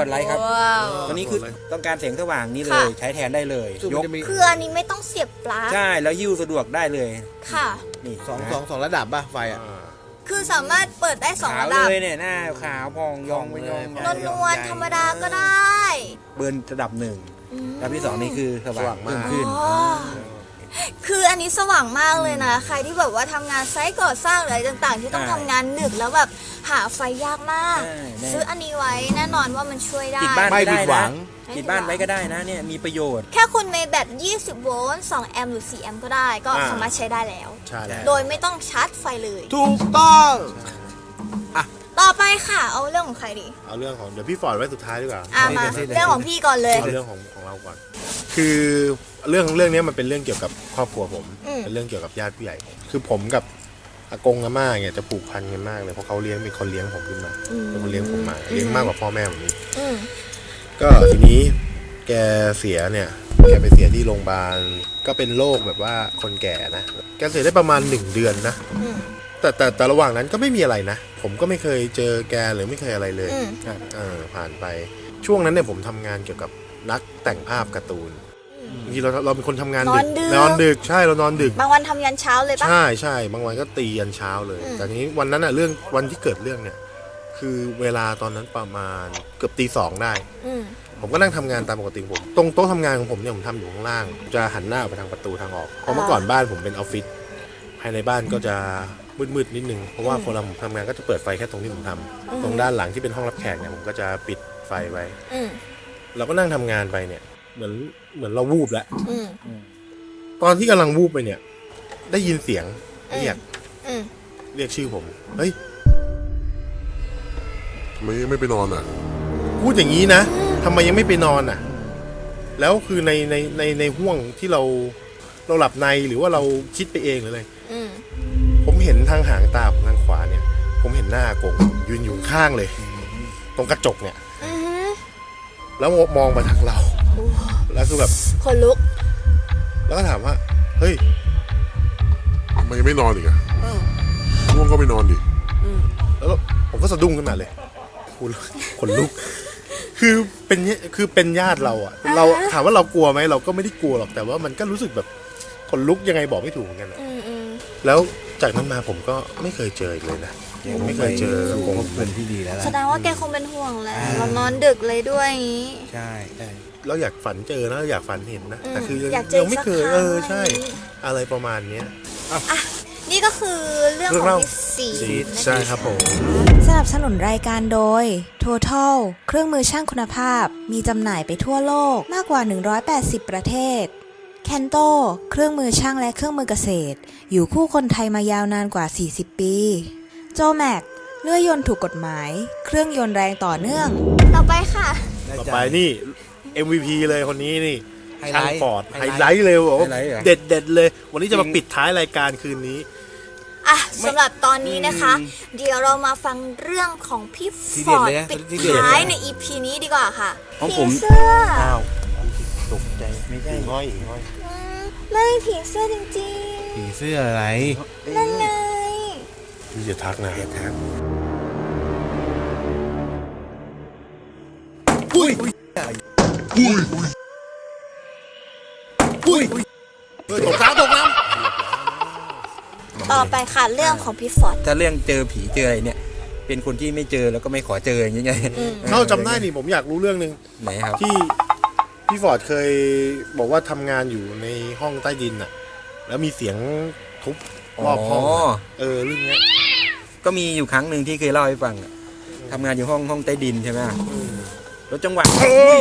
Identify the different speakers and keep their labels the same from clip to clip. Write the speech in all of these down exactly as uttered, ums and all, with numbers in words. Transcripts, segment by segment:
Speaker 1: ไลท์ครับตัวนี้คือต้องการแสงสว่างนี่เลยใช้แทนได้เลยยก
Speaker 2: คืออันนี้ไม่ต้องเสียบปลั๊ก
Speaker 1: ใช่แล้วยิ้วสะดวกได้เลย
Speaker 2: ค่ะ
Speaker 1: นี่
Speaker 3: สองสองสองระดับป่ะไฟอ่ะ
Speaker 2: คือสามารถเปิดได้สองระดับ
Speaker 1: เลยเนี่ยหน้าขาวพองยองไปยอง
Speaker 2: นวลธรรมดาก็ได้
Speaker 1: เบิร์นระดับหนึ่งระดับที่สองนี่คือสว่างมากขึ้น
Speaker 2: คืออันนี้สว่างมากเลยนะใครที่แบบว่าทำงานไซต์ก่อสร้างอะไรต่างๆที่ต้องทำงานดึกแล้วแบบหาไฟยากมากซื้ออันนี้ไว้แน่นอนว่ามันช่วยได้
Speaker 1: ไม่ผิดหวังติดบ้านไว้ก็ได้นะเนี่ยมีประโยชน์
Speaker 2: แค่คุณมีแบตยี่สิบโวลต์สองแอมป์หรือสี่แอมป์ก็ได้ก็สามารถใช้ได้แล้วโดยไม่ต้องชาร์จไฟเลย
Speaker 3: ถูกต้อง
Speaker 2: อ่ะต่อไปค่ะเอาเรื่องของใครดี
Speaker 4: เอาเรื่องของเดี๋ยวพี่ฟอร์ดไว้สุดท้ายดีกว่า
Speaker 2: อ่ะมาเรื่องของพี่ก่อนเลย
Speaker 4: เอาเรื่องของของเราก่อนคือเรื่องเรื่องนี้มันเป็นเรื่องเกี่ยวกับครอบครัวผมเป็นเรื่องเกี่ยวกับญาติผู้ใหญ่คือผมกับอากงอาม่าเนี่ยจะผูกพันกันมากเลยเพราะเขาเลี้ยงเป็นคนเลี้ยงผมขึ้นมาเป็นคนเลี้ยงผมมาเลี้ยงมากกว่าพ่อแม่ผมนี่ก็ทีนี้แกเสียเนี่ยแกไปเสียที่โรงพยาบาลก็เป็นโรคแบบว่าคนแก่นะแกเสียได้ประมาณหนึ่งเดือนนะแต่แต่แต่ระหว่างนั้นก็ไม่มีอะไรนะผมก็ไม่เคยเจอแกหรือไม่เคยอะไรเลยเออผ่านไปช่วงนั้นเนี่ยผมทำงานเกี่ยวกับนักแต่งภาพการ์ตูนบางทีเราเราเป็นคนทำงานดึกนอนดึกใช่เรานอนดึก
Speaker 2: บางวันทำยันเช้าเลยปะ
Speaker 4: ใช่ใช่บางวันก็ตียันเช้าเลยแต่ทีนี้วันนั้นอ่ะเรื่องวันที่เกิดเรื่องเนี่ยคือเวลาตอนนั้นประมาณเกือบตีสองได้ผมก็นั่งทำงานตามปกติผมตรงโต๊ะทำงานของผมเนี่ยผมทำอยู่ข้างล่างจะหันหน้าไปทางประตูทางออกเพราะเมื่อก่อนบ้านผมเป็นออฟฟิศภายในบ้านก็จะมืดๆนิดนึงเพราะว่าพอเราทำงานก็จะเปิดไฟแค่ตรงที่ผมทำตรงด้านหลังที่เป็นห้องรับแขกเนี่ยผมก็จะปิดไฟไว้เราก็นั่งทำงานไปเนี่ยเหมือนเหมือนเราวูบแล้วตอนที่กำลังวูบไปเนี่ยได้ยินเสียงเรียกเรียกชื่อผมเฮ้ย
Speaker 5: ทำไมยังไม่ไปนอนอ่ะ
Speaker 4: พูดอย่างนี้นะทำไมยังไม่ไปนอนอ่ะแล้วคือในในในในห่วงที่เราเราหลับในหรือว่าเราคิดไปเองหรืออะไรผมเห็นทางหางตาผมทางขวาเนี่ยผมเห็นหน้ากงยืนอยู่ข้างเลยตรงกระจกเนี่ยแล้วมองมาทางเราแล้วคือแบบ
Speaker 2: คนลุก
Speaker 4: แล้วก็ถามว่าเฮ้ย
Speaker 5: ทำไมยังไม่นอนอีกอ่ะง่วงก็ไปนอนดิ
Speaker 4: แล้วผมก็สะดุ้งขึ้นมาเลยคุณคนลุกคือเป็นคือเป็นญาติเราอ่ะเราถามว่าเรากลัวไหมเราก็ไม่ได้กลัวหรอกแต่ว่ามันก็รู้สึกแบบคนลุกยังไงบอกไม่ถูกเหมือนกันแล้วจากนั้นมาผมก็ไม่เคยเจออีกเลยนะผมไม่เคยเจอคง
Speaker 3: เป็นที่ดีแล้ว
Speaker 2: แสดงว่าแกคงเป็นห่วงแหละเรานอนดึกเลยด้วยอย่างนี้
Speaker 3: ใช่ใช่
Speaker 4: เราอยากฝันเจอนะอยากฝันเห็นนะแต่คือยังไม่เคยเออใช่อะไรประมาณเนี้ย
Speaker 2: อ่ะนี่ก็คือเรื่องของพิซี
Speaker 4: ใช่ครับผม
Speaker 6: สนับสนุนรายการโดย Total เครื่องมือช่างคุณภาพมีจำหน่ายไปทั่วโลกมากกว่าหนึ่งร้อยแปดสิบประเทศ Kanto เครื่องมือช่างและเครื่องมือเกษตรอยู่คู่คนไทยมายาวนานกว่าสี่สิบปีโจแม็กเลื่อยยนต์ถูกกฎหมายเครื่องยนต์แรงต่อเนื่อง
Speaker 2: ต่อไปค่ะ
Speaker 4: ต่อไปนี่ เอ็ม วี พี เลยคนนี้นี่ช่างฟอร์ดไฮไลท์เลยโอ้เด็ดเด็ดเลยวันนี้จะมาปิดท้ายรายการคืนนี้
Speaker 2: อ่ะสำหรับตอนนี้นะคะเดี๋ยวเรามาฟังเรื่องของพี่ฟอร์ดปิดท้ายใน อี พี นี้ดีกว่าค่ะผีเสื้อ
Speaker 3: อ้าวตกใจไม่ใช่
Speaker 4: ง่อยง่อย
Speaker 2: ไม่ผีเสื้อจริง
Speaker 3: ๆผีเสื้ออะไร
Speaker 2: นั่นไง
Speaker 4: พี่จะทักนะ
Speaker 3: อย่าทัก
Speaker 4: อุ้ยอุ้ยอุ้ยตกน้ำตกน้
Speaker 2: ำต่อไปค่ะเรื่องของพี่ฟอร์ด
Speaker 1: ถ้าเรื่องเจอผีเจออะไรเนี่ยเป็นคนที่ไม่เจอแล้วก็ไม่ขอเจออย่างเงี้ย
Speaker 4: เขาจำได้นี่ผมอยากรู้เรื่องนึง
Speaker 1: ไหนครับ
Speaker 4: ที่พี่ฟอร์ดเคยบอกว่าทำงานอยู่ในห้องใต้ดินน่ะแล้วมีเสียงทุบรอบห้องเออเรื่องนี้
Speaker 1: ก็มีอยู่ครั้งหนึ่งที่เคยเล่าให้ฟังทำงานอยู่ห้องห้องใต้ดินใช่ไหมแล้วจังหวะ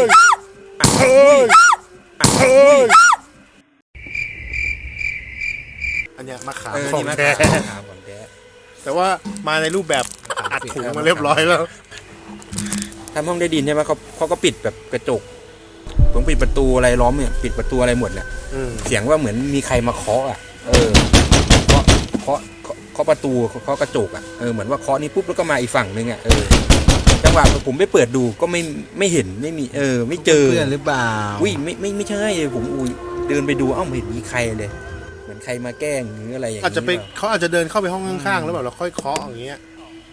Speaker 4: อันเนี้ยมาขามของแท้แต่ว่ามาในรูปแบบอัดถุงมาเรียบร้อยแล้ว
Speaker 1: ทำห้องใต้ดินใช่ไหมเขาเขาก็ปิดแบบกระจกผมปิดประตูอะไรล้อมเนี่ยปิดประตูอะไรหมดแหละเสียงว่าเหมือนมีใครมาเคาะอ่ะเออเคาะเคาะเคาะประตูเคาะกระจกอ่ะเออเหมือนว่าเคาะนี้ปุ๊บแล้วก็มาอีกฝั่งนึงอ่ะเออจังหวะผมไปเปิดดูก็ไม่ไม่เห็นไม่มีเออไม่เจอ
Speaker 3: เพื่อนหรือเปล่า
Speaker 1: อุ้ยไม่ไม่ไม่ใช่ผมอุ้ยเดินไปดูเอ้าไม่เห็นมีใครเลยเหมือนใครมาแกล้งหรืออะไรอย่างเงี้ย
Speaker 4: อาจจะไปเขาอาจจะเดินเข้าไปห้องข้างๆแล้วแบบเราค่อยเคาะอย่างเงี้ย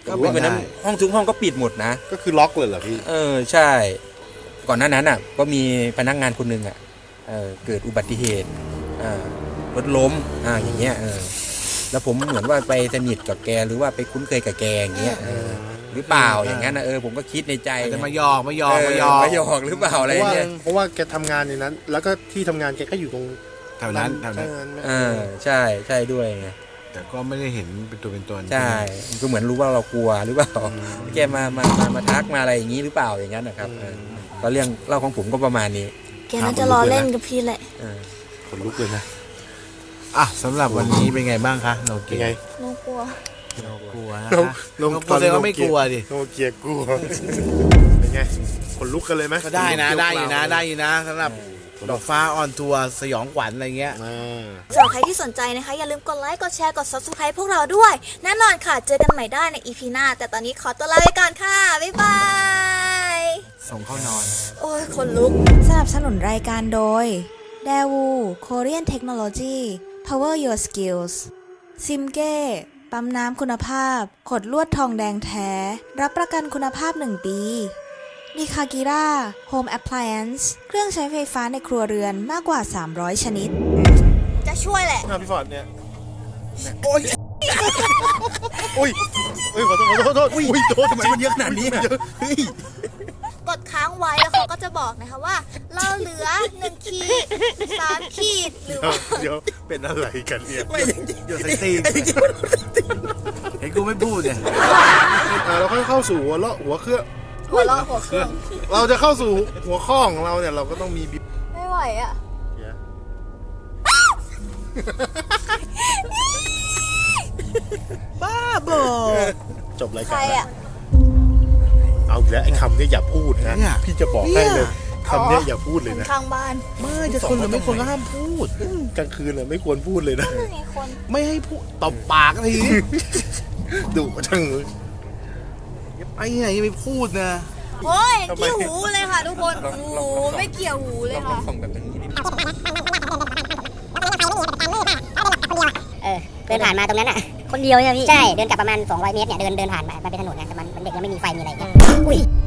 Speaker 3: ก็
Speaker 1: โอ้ยวันนั้น
Speaker 3: ได้
Speaker 1: ห้องทุกห้องก็ปิดหมดนะ
Speaker 4: ก็คือล็อกเลยเหรอพี่
Speaker 1: เออใช่ ก่อนหน้านั้นอ่ะ ก็มีพนักงานคนหนึ่งอ่ะเออเกิดอุบัติเหตุอ่ารถล้มอ่าอย่างเงี้ยเออแล้วผมเหมือนว่าไปสนิทกับแกหรือว่าไปคุ้นเคยกับแกอย่างเงี้ยเออหรือเปล่าอย่างนั้นนะเออผมก็คิดในใจ
Speaker 3: จะมาหยอกมาหยอกมาหยอก
Speaker 1: เมาหยอกหรือเปล่าอะไร
Speaker 4: เพราะว่า
Speaker 1: เนี่ย
Speaker 4: เพราะว่าแกทำงานในนั้น แล้วก็ที่ทำงานแกก็อยู่ตรง
Speaker 3: แถวนั้นแถวนั้น
Speaker 1: เออใช่ใช่ด้วยไง
Speaker 3: แต่ก็ไม่ได้เห็นเป็นตัวเป็นตน
Speaker 1: ใช่ก็เหมือนรู้ว่าเรากลัวหรือเปล่าแกมามามามาทักมาอะไรอย่างนี้หรือเปล่าอย่างนั้นนะครับเออก็เรื่องเล่าของผมก็ประมาณนี้
Speaker 2: แกน่าจะรอเล่นกับพี่แหละ
Speaker 1: เออ
Speaker 4: ขนลุกเลยนะ
Speaker 3: อ่ะสำหรับวันนี้เป็นไงบ้างคะโน
Speaker 4: เป็
Speaker 3: เกี
Speaker 4: น
Speaker 3: ย
Speaker 4: ไง
Speaker 2: น้องกลัว
Speaker 3: กลัวนะ
Speaker 4: น้อง
Speaker 3: คะ
Speaker 4: น้อง
Speaker 3: โนกลัวแสดงว่าไม่กลัวดิ
Speaker 4: โนเกียกลัวเป็นไงขนลุกกันเลยไหม
Speaker 3: ก็ได้นะได้อยู่นะได้อยู่นะสำหรับดอกฟ้าออนทัวร์สยองขวัญอะไรเงี้ย
Speaker 4: อ่า
Speaker 2: สำหรับใครที่สนใจนะคะ อย่าลืมกดไลค์ กดแชร์ กด ซับสไครบ์ พวกเราด้วย แน่นอนค่ะ เจอกันใหม่ได้ใน อี พี หน้า แต่ตอนนี้ขอตัวลาไปก่อนค่ะ บ๊ายบาย
Speaker 3: ส่งเข้านอน
Speaker 2: โอ้ยคนลุก
Speaker 6: สนับสนุนรายการโดย Daewoo Korean Technology Power Your Skills ซิมเก้ปั๊มน้ำคุณภาพ ขดลวดทองแดงแท้ รับประกันคุณภาพหนึ่งปีนิคากิร่า Home Appliance เครื่องใช้ไฟฟ้าในครัวเรือนมากกว่า สามร้อย ชนิด
Speaker 2: จะช่วยแหละ
Speaker 4: หน้าพี่ฟอร์ดเนี่ยโอ้ยโอ้ยโอ้ยขอโทษขอโทษขอโทษอุ้ยโทษ
Speaker 1: ทำไมมันเยอะขนาดนี้อะ
Speaker 4: เฮ้ย
Speaker 2: กดค้างไว้แล้วเขาก็จะบอกนะคะว่า เราเหลือหนึ่งขีดสามขีดหรือว่า
Speaker 4: เดี๋ยวเป็นอะไรกันเนี่ย
Speaker 1: ไม่จริง
Speaker 3: เดี๋ยวใส่ตีนเห็นกูไม่พูดเนี่ย
Speaker 4: อ่าเราค่อยเข้าสู่หัวเลาะหัวเครื่อง
Speaker 2: หัวเราะหัวเครื่อง
Speaker 4: เราจะเข้าสู่หัวข้อของเราเนี่ยเราก็ต้องมีบิบ
Speaker 2: ไม่ไหวอ่ะ
Speaker 3: บ้าบอ
Speaker 4: จบราย
Speaker 2: ใคร
Speaker 4: การแล้ว
Speaker 2: อ่ะ
Speaker 4: เอาอีกแล้วไอ้คำเนี้ยอย่าพูดนะ
Speaker 3: เนี่ย
Speaker 4: พี่จะบอกให้เลยคำเนี้ยอย่าพูดเลยนะ
Speaker 2: ข้างบ้าน
Speaker 3: ไม่จะคนหรือไม่คนก็ห้ามพูด
Speaker 4: กลางคืนเลยไม่ควรพูดเลยนะ
Speaker 2: มีคน
Speaker 3: ไม่ให้พูดตบปากที
Speaker 4: ดุจังเลย
Speaker 3: ไอ้ไหนไม่พูดนะ
Speaker 2: โอ้ย
Speaker 4: ทำไม
Speaker 2: กี่หูเลยค่ะทุกคนโอ้โหไม่เกี่ยวหูเลย
Speaker 1: ลอง
Speaker 2: ค่ะ
Speaker 1: ส่องแบบนี้ดิ
Speaker 7: เออเดินผ่านมาตรงนั้นอ่ะ คนเดียวใช่ไหมพี่ ใช่ เดินกลับประมาณ สองร้อย เมตรเนี่ย เดินเดินผ่านมามันเป็นถนนนะแต่มันมันเด็กยังไม่มีไฟมีอะไรอย่างเงี้ยอุ้ย